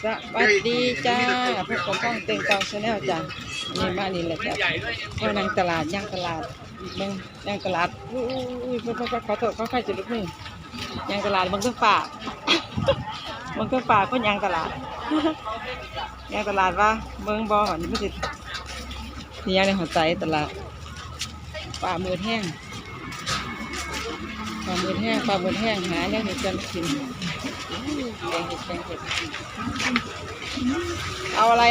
สวัสดีจ้าพวกผมต้องเต็งเตาชาแนลจ้ะนี่มานี่แหละจ้ะว่านางตลาดย่างตลาดเบิ่งย่างตลาดอุ้ยขอโทษเขาใครจะลุกนี่ย่างตลาดบางเครื่องป่าบางเครื่องป่าก็ย่างตลาดย่างตลาดว่าเบิ่งบ่อนี่ไม่ติดนี่ย่างในหัวใจตลาดป่ามือแห้งปลาหมึกแห้งหาเนี่ยเห็ดกันกินแกงเห็ดเอาอะไร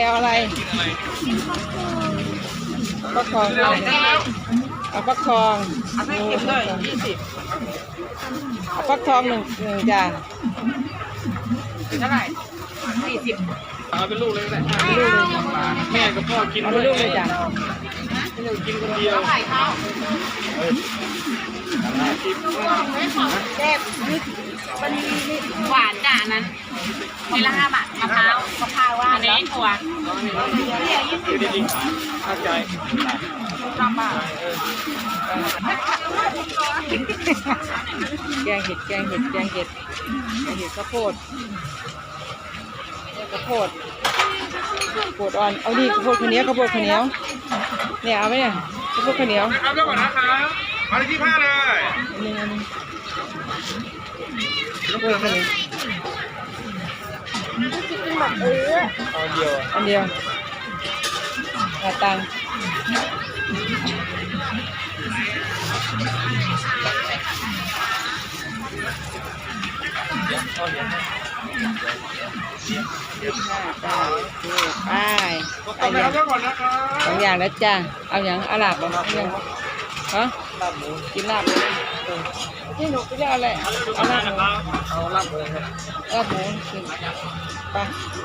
ฟักทองเอาฟักทองเอาฟักทองหนึ่งจ้ะเป็นเท่าไหร่40เอาเป็นลูกเลยแหละลูกเลยแม่กับพ่อกินเอาเป็นลูกเลยจ้ะไม่ต้องกินคนเดียวแซ่บมันหวานจ้ะนั้นมีละ5 บาทมะพร้าวว่าอันนี้ถั่วดีเข้าใจ5 บาทแกงเห็ดข้าวโพดอ่อนเอาดิข้าวโพดข้าวเหนียวเนี่ยเอาไหมเนี่ยข้าวโพดข้าวเหนียวครับแล้วก่อนนะครับมาที่ผ้าเลยอันนึงข้าวโพดข้าวเหนียวอันเดียวตังไปสองอย่างแล้วจ้าเอาอย่างอาหรับบ้างยังฮะกินลาบนี่หนูกินอะไรเอาลาบหมูกินไป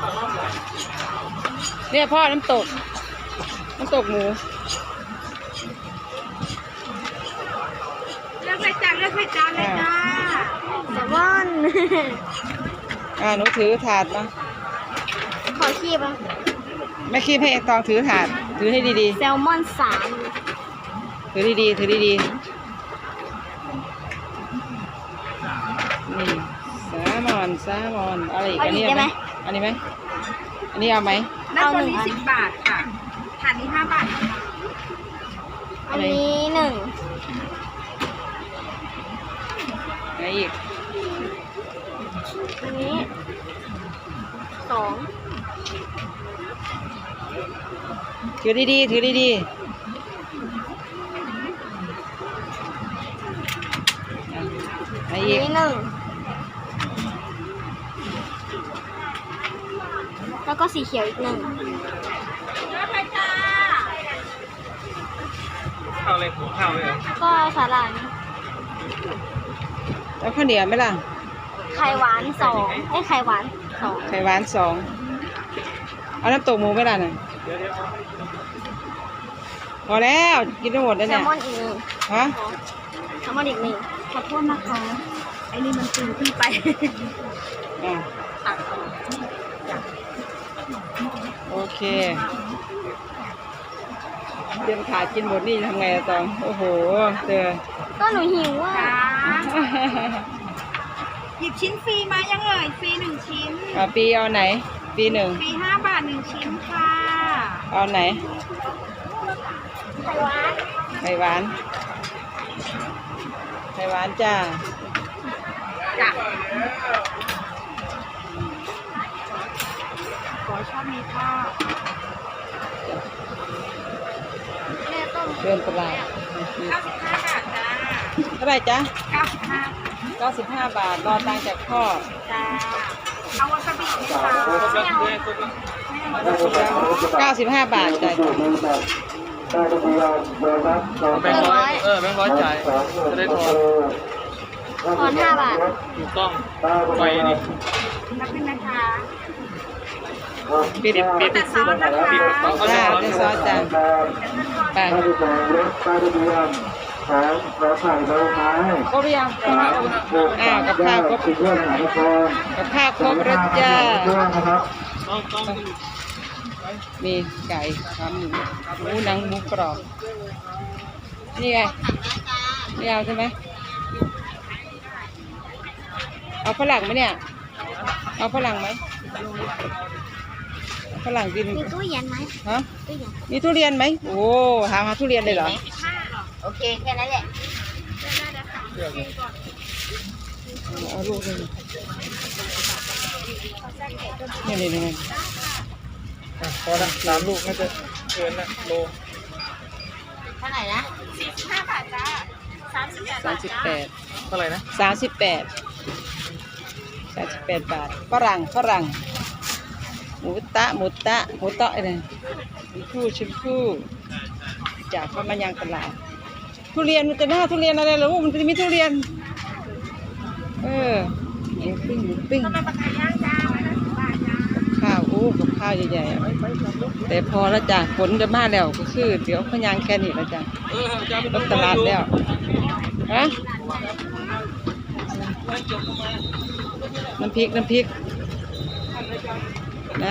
เนี่ยพ่อน้ำตกหมูเลือกใส่จานเลยจ้าแซลมอนหนูถือถาดมาขอคีบอ่ะไม่คีบให้ตองถือถาดถือให้ดีๆแซลมอน3 ถือดีๆนี่แซลมอนอะไรอีกอันนี้เอาไหมอันนี้เอาไหมตัวนี้10 บาทค่ะถาดนี้5 บาทอันนี้1 อะไรอีกอันนี้2 ถือดีๆอันนี้1แล้วก็สีเขียวอีก1 ข้าวเลยข้าวเลยก็สาหร่ายแล้วข้าวเหนียวไหมล่ะไข่หวาน2ไข่หวาน2 เอาน้ำตกหมูไหมล่ะน่ะพอแล้วกินทั้งหมดแล้วเนี่ยแซลมอนอีก1 ฮะแซลมอนอีก1ขอโทษนะคะไอ้นี่มันตื่นขึ้นไปโอเคเตรียมขากินหมดนี่ทำไงอะตองโอ้โหก็หนูหิวอ่ะหยิบชิ้นฟรีมายังเอ่ยฟรี1 ชิ้นปีเอาไหนปี1 ฟรี5 บาท1 ชิ้นค่ะเอาไหนไข่หวานจ้าขอชอบมีข้าวเดินตลาด 95 บาทจ้าเท่าไหร่จ้า 95 บาทรอตังค์จากพ่อจ้าเอาวาซาบิ 95 บาทจ้ะแบงค์ร้อยจ่ายจะได้ทอน5 บาทถูกต้องไปนี่นับเป็นนะคะปิดซอสนะคะเป็นซอสจ้ะไปครบหรือยังกับข้าวครบแล้วจ้ามีไก่ขาหมูหนังหมูกรอบนี่ไงนี่เอาใช่ไหมเอาฝรั่งไหมเนี่ยเอาฝรั่งไหมฝรั่งกินมีตู้เย็นไหมฮะตู้เย็นมีทุเรียนไหมโอ้หาทุเรียนเลยเหรอโอเคแค่นั้นแหละเอาลูกเลยนี่พอละ3 ลูกน่าจะเกินละโลเท่าไหร่นะ45 บาทจ้า 38 เท่าไหร่นะ 38บาทฝรั่งหมูตะอะไรชมพู่จากเข้ามายังตลาดทุเรียนมันจะหน้าทุเรียนอะไรเหรอมันจะมีทุเรียนหมูปิ้งทำไมปลาไก่ย่างจ้า150 บาทจ้าข้าวกับข้าวใหญ่ๆอะแต่พอแล้วจ้ะฝนจะมาแล้วก็คือเดี๋ยวพยางแค่นี้แล้วจ้ะรถตลาดแล้วฮะน้ำพริกนะ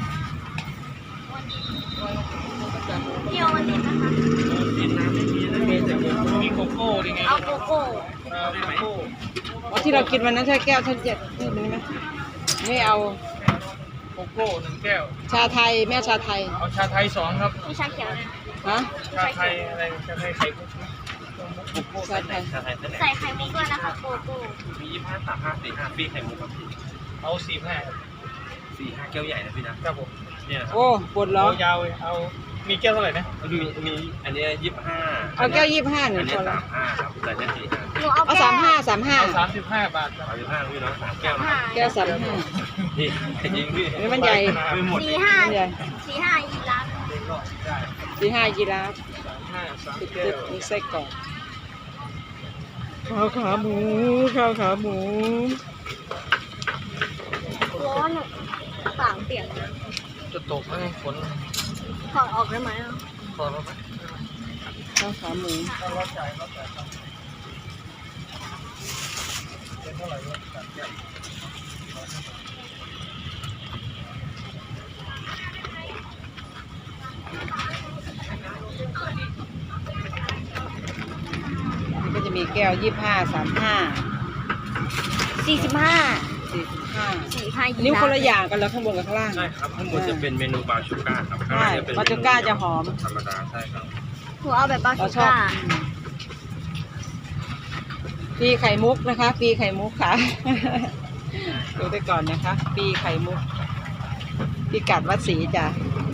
เที่ยววันนี้นะคะกินน้ำไม่มีนะมีโกโก้ดิไงเอาโกโก้โกโก้ที่เรากินวันนั้นใช่แก้วท่านเจ็ดนี่ไหมไม่เอาโกโก้1 แก้วชาไทยแม่ชาไทยเอาชาไทย2 ครับมีชาเขียวเลยฮะชาไทยอะไรชาไทยไข่มุกชาไทยใส่ไข่มุกด้วยนะคะโกโก้มี25 35 45ปีไข่มุกครับพี่เอา45ครับ 4-5 แก้วใหญ่นะพี่นะครับผมเนี่ยครับโอ้ปวดล้อเอายาวเลยเอามีแก้วเท่าไหร่นะมีอันเนี้ย25 เอาแก้ว25หอันึ่นงเนี้พอแล้ว 35ครับแต่เนี่ย45 หนูเอาเอาแก้ว 35 เอา35 บาทครับ 35พี่เนาะ3 แก้วนะแก้ว35 พี่จริงพี่นี่มันใหญ่ไม่หมดใหญ่ 45อีกร้าน 45ยีราฟ 3 ตึแก้วกมีไส้กรอกข้าวขาหมูร้อนอ่ะปากเปียกนะจะตกไหมฝนถอดออกได้ไหมอ่ะพอแล้วไหมข้าวขาหมูเราจ่ายครับเป็นเท่าไหร่วะ3 แก้วมันก็จะมีแก้ว25 35 45 45 ยีนิ้วราฟคนละอย่างกันแล้วข้างบนกับข้างล่างใช่ครับข้างบนจะเป็นเมนูบาชูก้าครับข้างใช่ล่างจะเป็นบาชูก้าจะหอมธรรมดาใช่ครับหนูเอาแบบบาเราชูชอบก้าปีไข่มุกนะคะ ปีไข่มุกค่ะ ดูไปก่อนนะคะ ปีไข่มุกปีกัดวัดศรีจ้ะ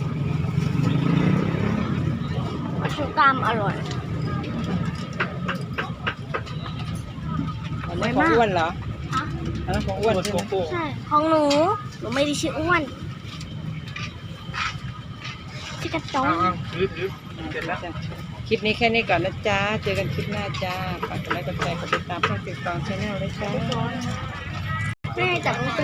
บาชูก้ามอร่อยอันนี้ของอ้วนเหรอฮะอันนั้นของอ้วนใช่โกไหมโก้ใช่ของหนูไม่ได้ชื่ออ้วนชื่อกระต้งเอาถือเสร็จแล้วคลิปนี้แค่นี้ก่อนนะจ๊ะ เจอกันคลิปหน้าจ้าฝากกดไลค์กดแชร์กดติดตามช่องติ๊กต็อกชาแนลเลยจ้าแม่จับ